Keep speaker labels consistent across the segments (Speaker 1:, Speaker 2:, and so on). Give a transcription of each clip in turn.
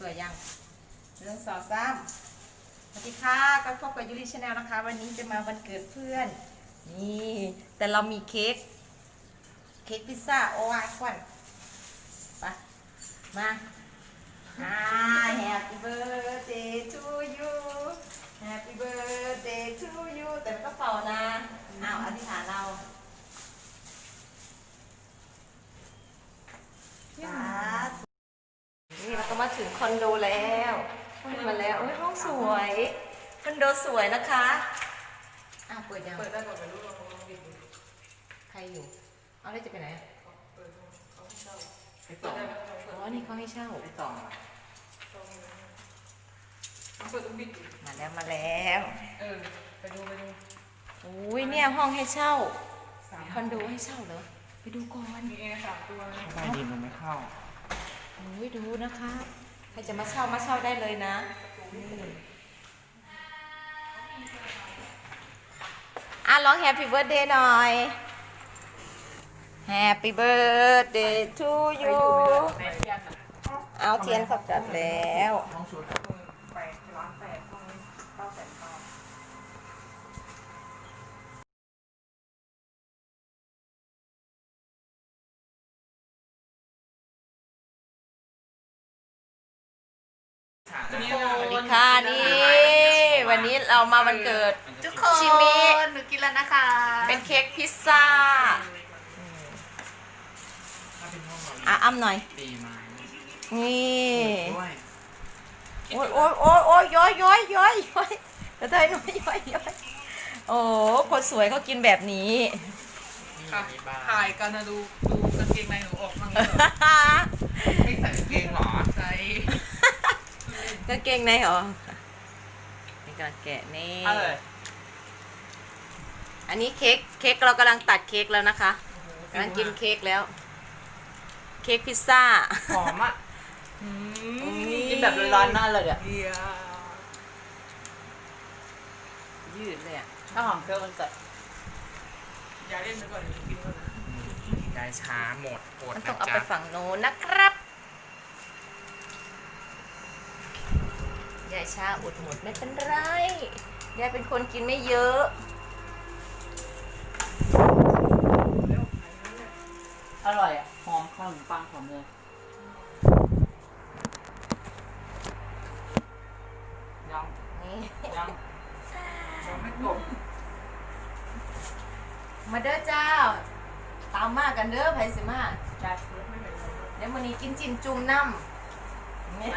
Speaker 1: วยยังเรื่อง2 3สวัสดีค่ะก็พบกับยูริชาแนลนะคะ วันนี้จะมาวันเกิดเพื่อนนี่แต่เรามีเค้กพิซซ่าโอวาควันไปมา Happy birthday to you Happy birthday to you แต่ไม่ต้องเป่านะอธิษฐานเรานี่เราก็มาถึงคอนโดแล้วขึ้นมาแล้วโอ้ยห้องสวยคอนโดสวยนะคะเปิดยัง
Speaker 2: เปิดได้ก่อนไปรู้ว่าเขาปิดอยู่
Speaker 1: ใครอยู่เอาแล้วจะไปไหน
Speaker 2: เปิดเขาให้เช่า
Speaker 3: ไอ้ต่อ
Speaker 1: อ๋อนี่เขาให้เช่า
Speaker 3: ไอ้ต่อ
Speaker 2: เขาเปิดต้องปิดอยู่
Speaker 1: มาแล้ว
Speaker 2: ไปดู
Speaker 1: อุ้ยเนี่ยห้องให้เช่าคอนโดให้เช่าเหรอไปดูก่อน
Speaker 2: มีแอร์3 ตัวนะ
Speaker 3: ใต้ดินมันไม่เข้า
Speaker 1: อุ้ยดูนะคะใครจะมาเช่าได้เลยนะร้อง Happy Birthday หน่อย Happy Birthday to you
Speaker 2: แม่เทียนอ่ะ
Speaker 1: เอาเทียนเขาจัดแล้ว
Speaker 3: ห้องชุด
Speaker 2: ไปร้าน8ห้อง900,000
Speaker 3: ฉาก
Speaker 2: ตัวนี้
Speaker 1: สวัสดีค่ะนี่วันนี้เรามาวันเกิด
Speaker 2: ทุกคน
Speaker 1: ชิมิ
Speaker 2: หนูกินแล้วนะคะ
Speaker 1: เป็นเค้กพิซซ่า
Speaker 3: ถ้าเป็นห้องเรา
Speaker 1: อ้ำหน่อย
Speaker 3: ตีไม้
Speaker 1: นี่
Speaker 3: ด้วย
Speaker 1: โอ้ยย้อยกระเทยน้อยย้อยโอ้คนสวยเขากินแบบนี้
Speaker 3: นี่
Speaker 2: ค่ะ
Speaker 3: มีบ้า
Speaker 2: ถ่ายกันนะดูกางเกงในหนูออกมั่งเลย
Speaker 3: ไม่ใส่กางเกงเหรอ
Speaker 2: ใจ
Speaker 1: กางเกงในเหรอนี่กำลังแกะนี่
Speaker 3: อะไร
Speaker 1: อันนี้เค้กเรากำลังตัดเค้กแล้วนะคะกำลังกินเค้กแล้ว เค้กพิซซ่า
Speaker 3: หอมอ่ะกินแบบร้อนๆนั่นเลยอ่ะ
Speaker 2: เดีย
Speaker 1: ยืดเลยอ่ะ
Speaker 3: ถ้าหอมเคี้ยวมันจะ
Speaker 2: อย่าเล่นไปก่อนเดี๋ยวกินก่อนนะ
Speaker 3: ยายช้าหมดอด
Speaker 1: มัน
Speaker 3: นะ
Speaker 1: ต้องเอา
Speaker 3: จ๊ะ
Speaker 1: ไปฝั่งโน้นนะครับยายชาอดหมดไม่เป็นไรยายเป็นคนกินไม่เยอะ
Speaker 4: อร่อยอ่ะ หอมขนมปังหอมเลย
Speaker 3: ยัง
Speaker 1: นี่
Speaker 3: ยัง
Speaker 2: ยังไม่จบ
Speaker 1: มาเด้อเจ้า ตามมากันเด้อไผสิมา
Speaker 4: ได้
Speaker 2: ไม่เหม็นเลย
Speaker 1: เดี๋ยวมื้อนี้กินจิ้มจุ่มน้ำนี่
Speaker 4: ได้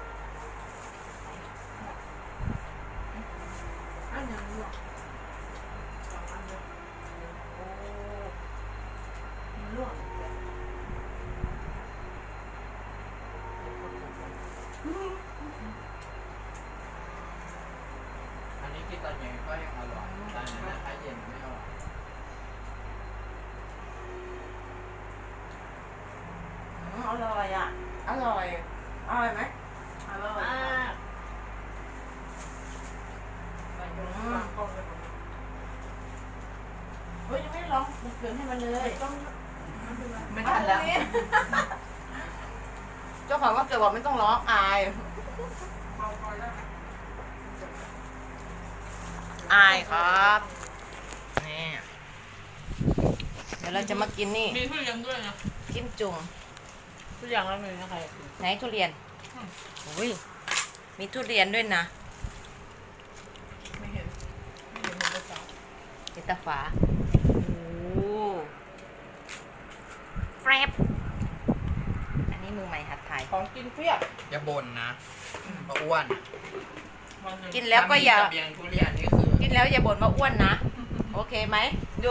Speaker 2: อันยังหรอ2 อันเลย
Speaker 1: โอ้
Speaker 4: มันลวก
Speaker 3: อันนี้กินตอนเย็นก็ยังอร่อยตอนนั้นถ้าเย็นไม่อร่อย
Speaker 1: อร่อยอ่ะ อร่อยไหม
Speaker 2: อร่อย
Speaker 4: มาก
Speaker 2: วางกล้องเลยผม
Speaker 1: เฮ้ยยังไม่ลองมันเกินให้มันเลย
Speaker 2: ต้องไม่เป็นไร
Speaker 4: ไม่ทันแล้ว
Speaker 1: เจ้าของว่าเกิดบอกไม่ต้องร้องอาย
Speaker 2: เบาคอยได้ไหม
Speaker 1: อายครับ
Speaker 3: นี่
Speaker 1: เดี๋ยวเราจะมากินนี่
Speaker 2: มีทุเรียนด้วยนะ
Speaker 1: จิ้มจุ่ม
Speaker 4: ทุกอย่างแล้วเลยนะใคร
Speaker 1: ไหนทุเรียนอุ้ยมีทุเรียนด้วยนะ
Speaker 2: ไม่เห็นเลยจ้า
Speaker 1: เจตาฝาโอ้แฟรบอันนี้มือใหม่หัดถ่าย
Speaker 4: ของกินเพียบ
Speaker 3: อย่าบ่นนะเพราะอ้วน
Speaker 2: วันหนึ่ง
Speaker 1: กินแล้วก็อย่า
Speaker 3: ถ้มีเสบียงทุเรียนนี่คือ
Speaker 1: กินแล้วอย่าบ่นว่าอ้วนนะ โอเคไหมดู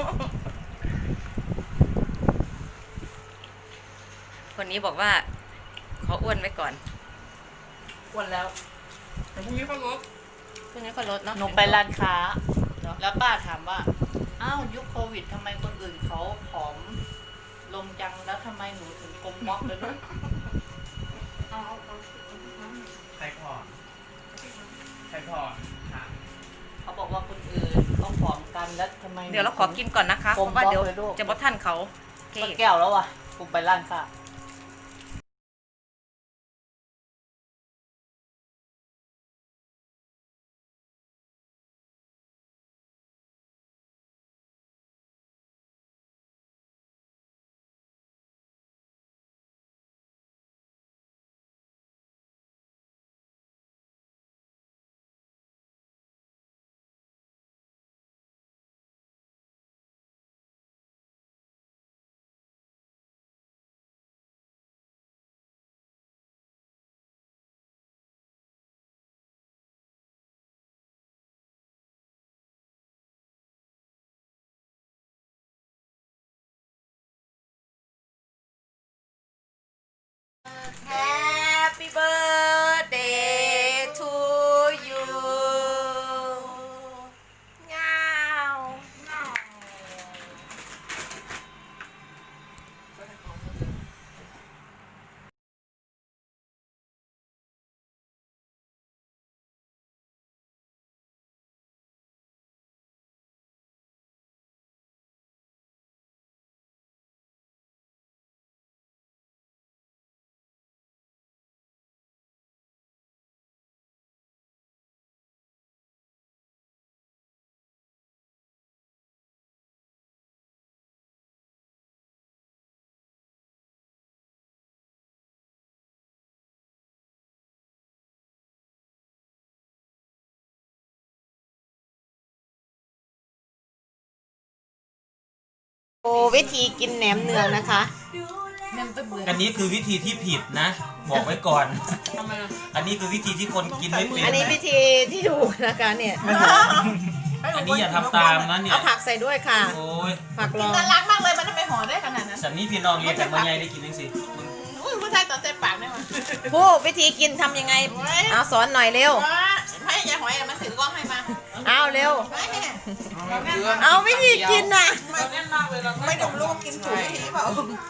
Speaker 1: คนนี้บอกว่าขออ้วนไว้ก่อน
Speaker 4: อ้วนแล้ว
Speaker 2: แต่พรุ่งนี้เขาลด
Speaker 1: เพื่อนนี้ก็ลดเนาะ
Speaker 4: หนูไปร้านค้า
Speaker 1: เนอะ
Speaker 4: แล้วป้าถามว่า อ้าวยุคโควิดทำไมคนอื่นเขาผอมลงจังแล้วทำไมหนูถึงกลมม็อกเลยลูก
Speaker 2: เอา
Speaker 3: ใครผ่อนใครผ่อนค่ะ
Speaker 4: เขาบอกว่าคนอื่นเขาผอมกันแล้วทำไมห
Speaker 1: เดี๋ยวเราขอกินก่อนนะคะเพ
Speaker 4: กลม
Speaker 1: ราะว่าเดี๋ยว
Speaker 4: บล็อกเลยลูก
Speaker 1: จะบอท่านเขาโอเค
Speaker 4: สักแก้วแล้วว่ะกูไปร้านค้า
Speaker 1: Happy birthday to you เงาโอ้วิธีกินแหนมเนืองนะคะ
Speaker 2: เน้นตะเบือ
Speaker 3: อันนี้คือวิธีที่ผิดนะ บอกไว้ก่อน
Speaker 2: ทำไมล่ะ
Speaker 3: อันนี้คือวิธีที่คนกินไม่เป็น
Speaker 1: อันนี้วิธีที่ถูกนะคะเนี่ย
Speaker 3: อันนี้อย่าทำตามนะเนี่ย
Speaker 1: เอาผักใส่ด้วยค่ะ
Speaker 3: โอ้ย
Speaker 1: ผักร
Speaker 2: กิน
Speaker 1: อง
Speaker 2: น่ารักมากเลยมันทำไมห่อได้ขนาดนั้น
Speaker 3: สันนี่พี่น้องเรียนจากเมืองใหญ่ได้กินยังสิ
Speaker 2: อุ้ยผู้ชายตอนเต็มปากได้ไหม
Speaker 1: ผู้วิธีกินทำยังไง เอาสอนหน่อยเร็ว
Speaker 2: ให้ยายหอยมันถือกล้องให้มา
Speaker 1: เอาเร็ว
Speaker 2: ไม่
Speaker 1: เอาวิธีกินน่ะ
Speaker 2: แน่นมากเลยเราไม่ดมลูกกินถูกทีเปล่า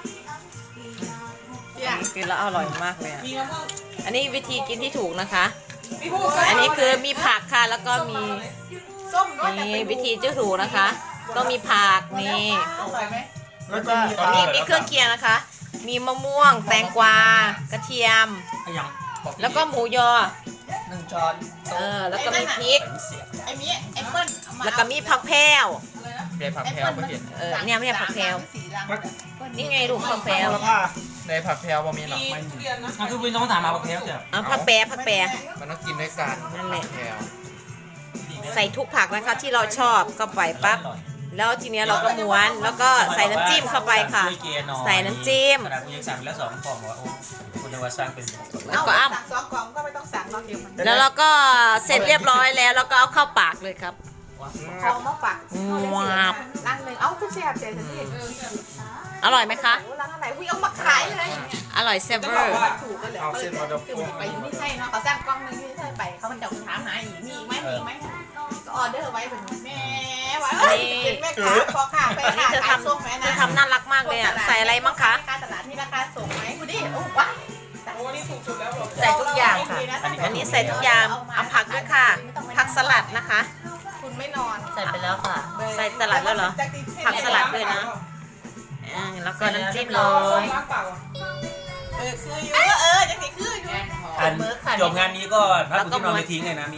Speaker 1: กินแล้วอร่อยมากเลยอะ
Speaker 2: มีมะม่วง
Speaker 1: อันนี้วิธีกินที่ถูกนะคะ
Speaker 2: พี่พูด
Speaker 1: อันนี้คือมีผักค่ะแล้วก็มี
Speaker 2: ส้มด้วย
Speaker 1: นี่วิธีที่ถูกนะคะ ต้องมีผักนี่
Speaker 2: อร่อยไหม
Speaker 1: แล้วก็มีเครื่องเคียงนะคะ มีมะม่วง แตงกวากระเทียม
Speaker 3: ยัง
Speaker 1: แล้วก็หมูยอ
Speaker 3: 1 ช้อน
Speaker 1: แล้วก็มีพริก
Speaker 3: เสียบ
Speaker 2: ไอ้มีแอปเปิ้ลเอามา
Speaker 1: แล้วก็มีผักแพรว
Speaker 3: เรียผักแพรวก็เห็น
Speaker 1: เนี่ยไม่ใช่ผักแพรวนี่ไงลูกผักแพรว
Speaker 5: ในผักแพรวบะมีหรอกไม่มี
Speaker 3: อ่ะคือพี่น้องถามมาผักแพรวจ้ะ
Speaker 1: ผักแปรผักแปร
Speaker 5: มันต้องกินด้วยกัน
Speaker 1: นั่นแหละ
Speaker 5: ผักแพรว
Speaker 1: ใส่ทุกผักนะคะที่เราชอบเข้าไปปั๊บ แล้วทีเนี้ยเราก็ม้วนแล้วก็ใส่น้ำจิ้มเข้าไปค่ะ ใส่น้ำจิ้ม
Speaker 3: ขนาดกูยังสั่งไปแล้ว2 กล่องว่าโอ้คุณนวัดสร้างเป็น
Speaker 1: แล้วก็อ้ำ
Speaker 2: สั่ง2 กล่องก็ไม่ต้องสั่งเราเดียวมัน
Speaker 1: แล้วเราก็เสร็จเรียบร้อยแล้วแล้วก็เอาเข้าปากเลยครับ
Speaker 2: ของมาฝาก
Speaker 1: ว้าว
Speaker 2: ร้านหนึ่งเอ้าคุณเสียบเจ๊สิ
Speaker 1: อร่อยไหมคะ
Speaker 2: ร้านอะไรอุ้ยเอามาขายเลย
Speaker 1: อร่อยเซเวอร์
Speaker 2: ถูกกันเลย
Speaker 5: เอาเส้นมาดม
Speaker 2: คือไปอยู่ที่ไทยเนาะเขาสั่งกล้องนึงที่ไทยไปเขามันจะถามหาอีกมีอีกไหมมีอีกไหมก็ออเดอร์ไว้เป็นแม่ไว้เป็นแม่ค้าพอค่ะไป
Speaker 1: อันนี้
Speaker 2: ค่ะ
Speaker 1: เธอ
Speaker 2: ขายส่ง
Speaker 1: ทำ
Speaker 2: ไหม
Speaker 1: เธ
Speaker 2: นะ
Speaker 1: อทำน่ารักมากเลยอ่ะ ใส่อะไรมั้งคะ
Speaker 2: การตลาดที่ราคาส่งไหมคุณดิโอ้ว้าโอ้นี่ถูกสุดแล้ว
Speaker 1: ใส่ทุกอย่างค่ะ อันนี้ใส่ทุกอย่าง เอาผักด้วยค่ะ ผักสลัดนะคะ
Speaker 2: คุณไม่นอน
Speaker 1: ใส่ไปแล้วค่ะ ใส่สลัดแล้วเหรอ ผักสลัดด้วยนะแล้วก็น้ำจิ้มเลย
Speaker 2: คืออยู่จะมีคืออยู่
Speaker 3: อันจบงานนี้ก็พักคุณที่นอนไปทิ้งเลยนะมี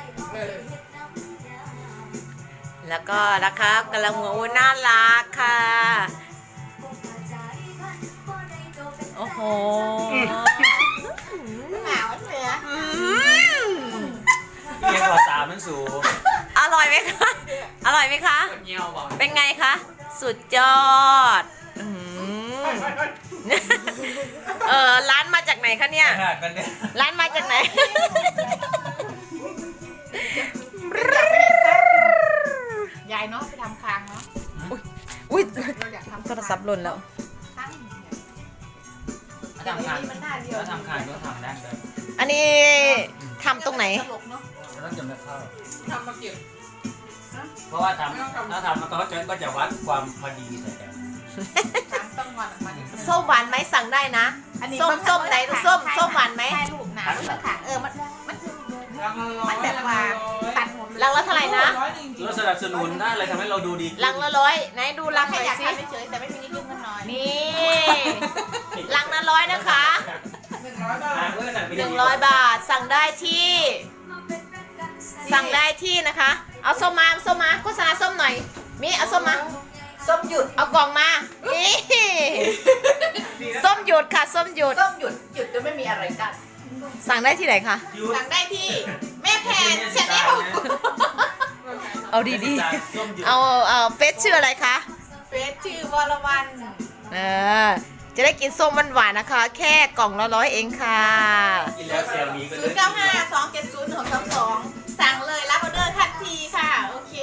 Speaker 1: แล้วก็นะคะกำลังหัวอุ้ยน่ารักค่ะ โอ้โห
Speaker 2: หนาวเสีย
Speaker 1: อืม
Speaker 3: เรียกว่าตามมันสูง
Speaker 1: อร่อยไหมคะ อร่อยไหมคะ
Speaker 5: เงี้ยวบอก
Speaker 1: เป็นไงคะ สุดยอดอืมร้านมาจากไหนคะเนี่ย
Speaker 3: หักกันเนี่ย
Speaker 1: ร้านมาจากไหน
Speaker 2: ยายเนาะไปทำคางเนาะ
Speaker 1: อุ้ย
Speaker 2: เราอยากทำ
Speaker 1: โทรศัพท์หล่นแล้ว
Speaker 2: ตั้ง
Speaker 3: ทำคานแล้วทำคานก็ทำได้เลย
Speaker 1: อันนี้ทำตรงไหน
Speaker 2: ตลกเนาะ
Speaker 3: ต้องจำได้เข้า
Speaker 2: ทำมาเก็บ
Speaker 3: เพราะว่าทำถ้าทำมันก็จะวัดความพอดีใส่กัน
Speaker 2: ถามต้องวันมัน
Speaker 1: ส้มหวานไหมสั่งได้นะ ส้มไหนส้มหวานไหม
Speaker 2: แค่ลูกหนาลูกค่ะมันแบบว่าตัดหมด
Speaker 1: ลังละเท่าไหร่นะ
Speaker 3: เราสนับสนุนได้เลยทำให้เราดูดี
Speaker 1: ลังละ100ไหนดูลังห
Speaker 2: แค่
Speaker 1: น่อย
Speaker 2: อยาก
Speaker 1: สิ
Speaker 2: ทำเฉยแต่ไม่มีนิดนึงกันหน่อย
Speaker 1: นี่ลังละ100นะคะ 100 บาทสั่งได้ที่นะคะ เอาส้มมาโฆษณาส้มหน่อยมีเอาส้มมา
Speaker 2: ส้มหยุด
Speaker 1: เอากล่องมานี่ส้มหยุดค่ะส้มหยุด
Speaker 2: ส้มหยุดจะไม่มีอะไรกัน
Speaker 1: สั่งได้ที่ไหนคะ
Speaker 2: สั่งได้ที่แม่แพนชาแนล
Speaker 1: เอาดีๆเอาเฟซชื่ออะไรคะ
Speaker 2: เฟซชื่อวรวรรณ
Speaker 1: จะได้กินส้มหวานๆนะคะ แค่กล่องละ100เองค่ะ
Speaker 3: กินแล้วเซลล์นี้ก็
Speaker 2: 0952701622สั่งเลยรับออเดอร์ทันทีค่ะโอเค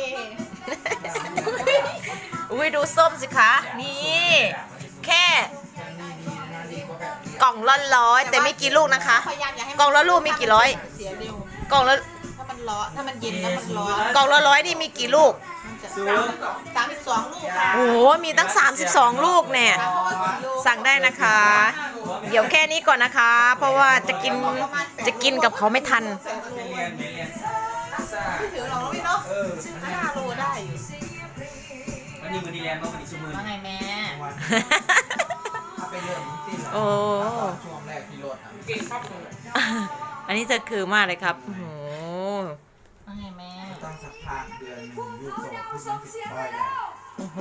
Speaker 1: อุ้ยดูส้มสิคะ นี่ แค่กล่องละ100แต่ไม่กี่ลูกนะคะ
Speaker 2: พยายามอย่าให้มัน
Speaker 1: กล่องละลูกมีกี่ร้อย
Speaker 2: เสียเร็ว
Speaker 1: กล่องละ
Speaker 2: ถ้ามันร้อนถ้ามันเย็นแล้วมันร้อน
Speaker 1: กล่องละ100นี่มีกี่ลูก
Speaker 2: มันจะ32ลูกค่ะ
Speaker 1: โอ้โหมีตั้ง32ลูกเนี่ย
Speaker 2: เพราะว่ากี่ลูก
Speaker 1: สั่งได้นะคะ เดี๋ยวแค่นี้ก่อนนะคะ เพราะว่าจะกินกับเขาไม่ทัน
Speaker 3: ไม่เรียนซ่า
Speaker 2: ไม่ถือหรอกแล้วพี่เนาะ
Speaker 3: เออ
Speaker 2: 5 โลได้อยู่
Speaker 3: วันนี้มือดีเรียนบ้างวันนี้ชั่วโมง
Speaker 4: ว่าไงแม่
Speaker 5: ถ้าไปเรื่องสิ้น
Speaker 1: โอ้
Speaker 5: ช่วงแรกที่รถอ่ะ
Speaker 3: เก่งครับ
Speaker 1: อันนี้จะคือมากเลยครับโอ้โห
Speaker 4: ว่าไงแม่
Speaker 5: ต้องสักพักเดือนหนึ่งยูโซขึ้นมา10 แล้ว
Speaker 1: โอ้โห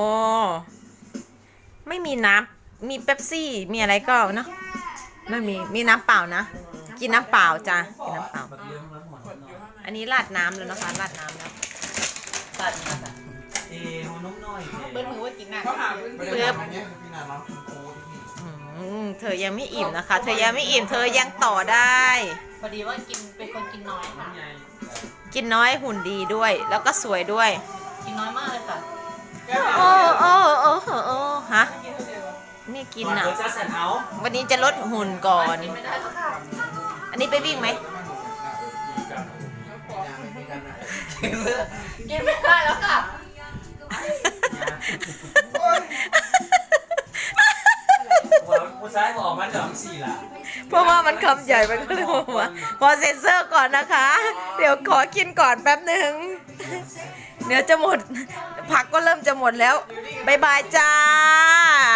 Speaker 1: ไม่มีน้ำมีเป๊ปซี่ มีอะไรก็เนอะไม่มีน้ำเปล่านะ กินน้ำเปล่าจ้ะ กินน้ำเปล่า
Speaker 3: แบบเรื่องแล้วหมด
Speaker 1: อันนี้ราดน้ำแล้วนะคะ ราดน้ำแล้ว
Speaker 4: ตัดมาค่ะ
Speaker 3: หัวนุ่มน้อย
Speaker 2: เบิ้ลมือว่ากินหนัก
Speaker 5: ไม่ได้ทำอันนี้คือพี่นาน้องคุณครูที่นี่
Speaker 1: เธอยังไม่อิ่มนะคะ เธอยังไม่อิ่ม เธอยังต่อได้
Speaker 4: พอดีว่ากินเป็นคนกินน้อยค่ะ
Speaker 1: กินน้อยหุ่นดีด้วย แล้วก็สวยด้วย
Speaker 4: กินน้อยมากเลยค่ะ
Speaker 1: โอ้โอ้โอ้โอ้ฮะ นี่กิน
Speaker 3: เดี๋
Speaker 1: อ่ะ
Speaker 3: ยวจะสั่นเอา
Speaker 1: วันนี้จะลดหุ่นก่อน
Speaker 4: กินไม่ได้แล้วค่ะ
Speaker 1: อันนี้ไปวิ่งไหม
Speaker 4: กินไม่ได้แล้วค่ะ
Speaker 3: ผู้ชายบอกมันเดี๋ยวสี่ละ
Speaker 1: เพราะว่ามันคำใหญ่ไปก็เลยบอกว่าขอเซ็นเซอร์ก่อนนะคะ เดี๋ยวขอกินก่อนแป๊บหนึ่งเดี๋ยวจะหมด ผักก็เริ่มจะหมดแล้วบายบายจ้า